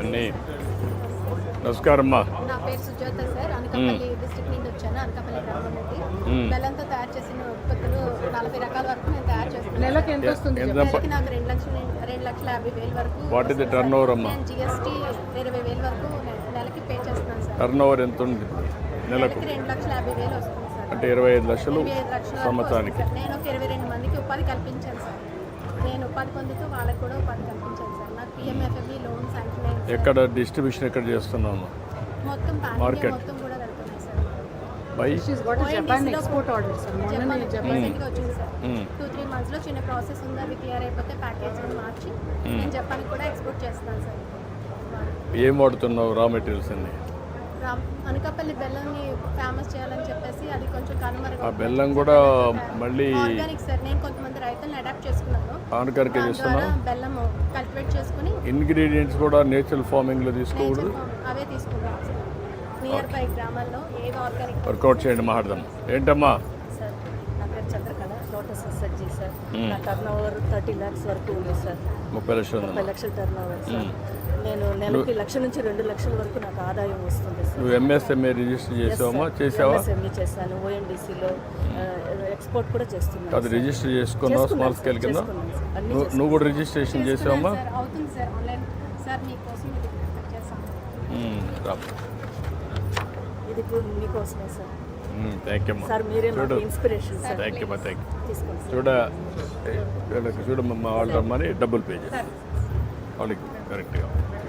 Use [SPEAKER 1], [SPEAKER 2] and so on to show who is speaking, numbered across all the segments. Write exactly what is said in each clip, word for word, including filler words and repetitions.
[SPEAKER 1] అన్నీ. నమస్కారం అమ్మా.
[SPEAKER 2] నా పేరు సుజాత సార్. అనకాపల్లి డిస్ట్రిక్ట్ నుండి వచ్చాను. అనకాపల్లి గ్రామం నుండి బెల్లంతో తయారు చేసిన ఉత్పత్తులు నలభై రకాల వరకు నేను తయారు చేస్తున్నాను.
[SPEAKER 3] నెలకి ఎంత వస్తుంది?
[SPEAKER 2] నెలకి నాకు రెండు లక్షల రెండు లక్షల యాభై వేల వరకు.
[SPEAKER 1] What is the turnover అమ్మా?
[SPEAKER 2] నేను జిఎస్టీ ఇరవై వేల వరకు నెలకి పే చేస్తున్నాను సార్.
[SPEAKER 1] టర్న్ ఓవర్ ఎంత ఉంది నెలకు?
[SPEAKER 2] రెండు లక్షల యాభై వేలు వస్తుంది సార్.
[SPEAKER 1] అంటే ఇరవై ఐదు లక్షలు
[SPEAKER 2] ఇరవై ఐదు లక్షల
[SPEAKER 1] సంవత్సరానికి.
[SPEAKER 2] నేను ఒక ఇరవై రెండు మందికి ఉపాధి కల్పించాను సార్. నేను ఉపాధి పొందుతూ వాళ్ళకి కూడా ఉపాధి కల్పించాను సార్. నాకు పిఎంఎఫ్ఎంఈ లోన్ శాంక్షన్ అయింది.
[SPEAKER 1] ఎక్కడ డిస్ట్రిబ్యూషన్ ఎక్కడ చేస్తున్నాము?
[SPEAKER 2] మొత్తం
[SPEAKER 1] మార్కెట్
[SPEAKER 2] మొత్తం కూడా వెళ్తున్నాయి sir.
[SPEAKER 1] By
[SPEAKER 3] she's got Japan export order sir. మొన్ననే జపాన్
[SPEAKER 2] జపాన్కి వచ్చింది సార్. టూ త్రీ మంత్స్లో చిన్న ప్రాసెస్ ఉంది. అది క్లియర్ అయిపోతే ప్యాకేజింగ్ మార్చి నేను జపాన్కి కూడా ఎక్స్పోర్ట్ చేస్తాను సార్.
[SPEAKER 1] ఏం వాడుతున్నావు రా మెటీరియల్స్ అన్ని?
[SPEAKER 2] రామ్ అనకాపల్లి బెల్లంని ఫేమస్ చేయాలని చెప్పేసి అది కొంచెం కనుమరుగు.
[SPEAKER 1] ఆ బెల్లం కూడా మళ్ళీ
[SPEAKER 2] ఆర్గానిక్ సార్. నేను కొంతమంది రైతులను అడాప్ట్ చేసుకున్నాను.
[SPEAKER 1] ఆర్గానిక్ చేస్తున్నావు?
[SPEAKER 2] బెల్లం కల్టివేట్ చేసుకుని
[SPEAKER 1] ఇంగ్రీడియంట్స్ కూడా నేచురల్ ఫార్మింగ్ లో తీసుకోకూడదు,
[SPEAKER 2] అవే తీసుకుంటాం సార్. నియర్ బై గ్రామాల్లో ఏది ఆర్గానిక్
[SPEAKER 1] వర్కౌట్ చేయండి. మాట్లాడదాం. ఏంటమ్మా?
[SPEAKER 4] సార్ నా పేరు చంద్రకళ, లోటస్ ఎస్ఎస్జీ సార్. నా టర్న్ ఓవర్ థర్టీ ల్యాక్స్ వరకు ఉంది సార్.
[SPEAKER 1] ముప్పై లక్షలు
[SPEAKER 4] ముప్పై లక్షల టర్న్ ఓవర్ సార్. నేను నెలకి లక్ష నుంచి రెండు లక్షల వరకు నాకు ఆదాయం వస్తుంది సార్.
[SPEAKER 1] నువ్వు ఎంఎస్ఎంఏ రిజిస్టర్ చేసావమ్మా? చేసావా?
[SPEAKER 4] ఎంఎస్ఎంఈ చేశాను. ఓఎన్డీసీలో ఎక్స్పోర్ట్ కూడా చేస్తున్నాను.
[SPEAKER 1] అది రిజిస్టర్ చేసుకున్నావు స్మాల్ స్కేల్ కింద? నువ్వు నువ్వు కూడా రిజిస్ట్రేషన్ చేసావమ్మా?
[SPEAKER 2] సార్. అవుతుంది సార్. ఆన్లైన్ సార్ మీకోసం ఇది చేస్తాను.
[SPEAKER 4] ఇది ఇప్పుడు మీకోసమే సార్.
[SPEAKER 1] థ్యాంక్ యూ అమ్మా.
[SPEAKER 4] సార్ మీరే
[SPEAKER 1] చూడు.
[SPEAKER 4] నాకు ఇన్స్పిరేషన్ సార్.
[SPEAKER 1] థ్యాంక్ యూ అమ్మా. Thank you.
[SPEAKER 4] తీసుకోండి సార్.
[SPEAKER 1] చూడ వీళ్ళకి చూడమ్మా, వాళ్ళు రమ్మని డబ్బులు పే చేస్తారు వాళ్ళకి కరెక్ట్గా.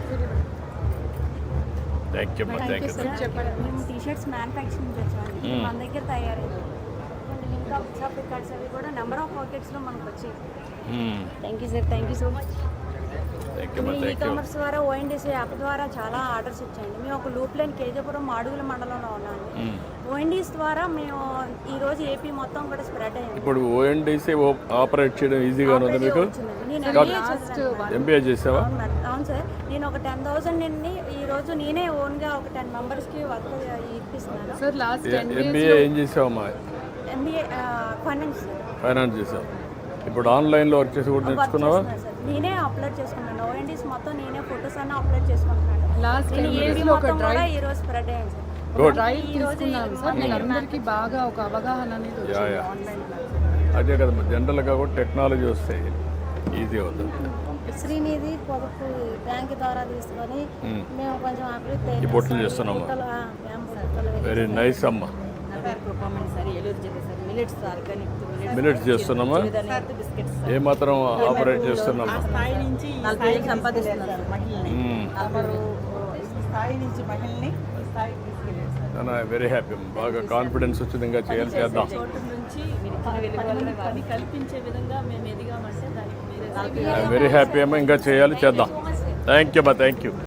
[SPEAKER 1] థ్యాంక్ యూ అమ్మా. Thank you.
[SPEAKER 5] మేము టీ షర్ట్స్ మ్యానుఫ్యాక్చరింగ్ వచ్చామండి. మన దగ్గర తయారైంది. ఇంకా షాప్ కార్డ్స్ అవి కూడా నెంబర్ ఆఫ్ పాకెట్స్లో మనకు వచ్చాయి. Thank you sir. Thank you so much.
[SPEAKER 1] Thank you అమ్మా.
[SPEAKER 5] మీ ఈ
[SPEAKER 1] థ్యాంక్ యూ.
[SPEAKER 5] కామర్స్ ద్వారా ఓఎన్డీసీ యాప్ ద్వారా చాలా ఆర్డర్స్ వచ్చాయండి. మేము ఒక లూప్ లైన్ కేజీపురం మాడుగుల మండలంలో ఉన్నామండి. ఓఎన్డీస్ ద్వారా మేము ఈ రోజు ఏపీ మొత్తం కూడా స్ప్రెడ్ అయ్యింది.
[SPEAKER 1] ఇప్పుడు ఓఎన్డీసీ ఆపరేట్ చేయడం ఈజీగా ఉంది మీకు?
[SPEAKER 5] నేను ఎంబీఏ చేశాను.
[SPEAKER 1] ఎంబీఏ చేసావా?
[SPEAKER 5] అవును సార్. నేను ఒక టెన్ థౌసండ్ నుండి ఈ రోజు నేనే ఓన్గా ఒక టెన్ మెంబర్స్కి వర్క్ ఇప్పిస్తున్నాను
[SPEAKER 3] సార్. లాస్ట్ టెన్
[SPEAKER 1] ఎంబీఏ ఏం చేసావమ్మా?
[SPEAKER 5] ఎంబీఏ ఫైనాన్స్
[SPEAKER 1] ఫైనాన్స్ చేసావు. ఇప్పుడు ఆన్లైన్లో వర్క్ చేసి కూడా నేర్చుకున్నావా?
[SPEAKER 5] నేనే అప్లోడ్ చేసుకున్నాను. ఓఎన్డీస్ మొత్తం నేనే ఫోటోస్ అన్నీ అప్లోడ్ చేసుకుంటున్నాను.
[SPEAKER 3] లాస్ట్
[SPEAKER 5] నేను
[SPEAKER 3] టెన్
[SPEAKER 5] ఏపీ
[SPEAKER 3] డేస్లో ఒక
[SPEAKER 5] మొత్తం కూడా
[SPEAKER 3] డ్రైవ్
[SPEAKER 5] ఈ రోజు స్ప్రెడ్ అయ్యాను సార్.
[SPEAKER 1] గుడ్.
[SPEAKER 3] డ్రైవ్ తీసుకున్నాను సార్. నేను అందరికీ బాగా ఒక అవగాహన అనేది వచ్చింది ఆన్లైన్.
[SPEAKER 1] అదే కదమ్మా, జనరల్గా కూడా టెక్నాలజీ వస్తే ఈజీ అవుతుంది.
[SPEAKER 6] శ్రీనిధి పొదుపు బ్యాంక్ ద్వారా తీసుకొని మేము కొంచెం అభివృద్ధి
[SPEAKER 1] ఈ బొట్టలు చేస్తున్నాము. వెరీ నైస్ అమ్మా.
[SPEAKER 4] నా పేరు కృపమణి సార్. ఏలూరు జిల్లా సార్. మిలెట్స్ ఆర్గానిక్
[SPEAKER 1] మినిట్స్ చేస్తున్నామా?
[SPEAKER 4] బిస్కెట్స్
[SPEAKER 1] ఏమాత్రం ఆపరేట్ చేస్తున్నామా?
[SPEAKER 4] స్థాయి నుంచి నలభై వేలు సంపాదిస్తున్నారు సార్ మహిళని. నలభై స్థాయి నుంచి మహిళని స్థాయికి తీసుకెళ్ళారు సార్.
[SPEAKER 1] Very happy. బాగా కాన్ఫిడెన్స్ వచ్చింది. ఇంకా చేయాలి, చేద్దాం.
[SPEAKER 4] చోటు నుంచి పని కల్పించే విధంగా మేము ఎదిగామంటే దానికి మీరే
[SPEAKER 1] వెరీ హ్యాపీ అమ్మా. ఇంకా చేయాలి, చేద్దాం. థ్యాంక్ యూ అమ్మా. Thank you.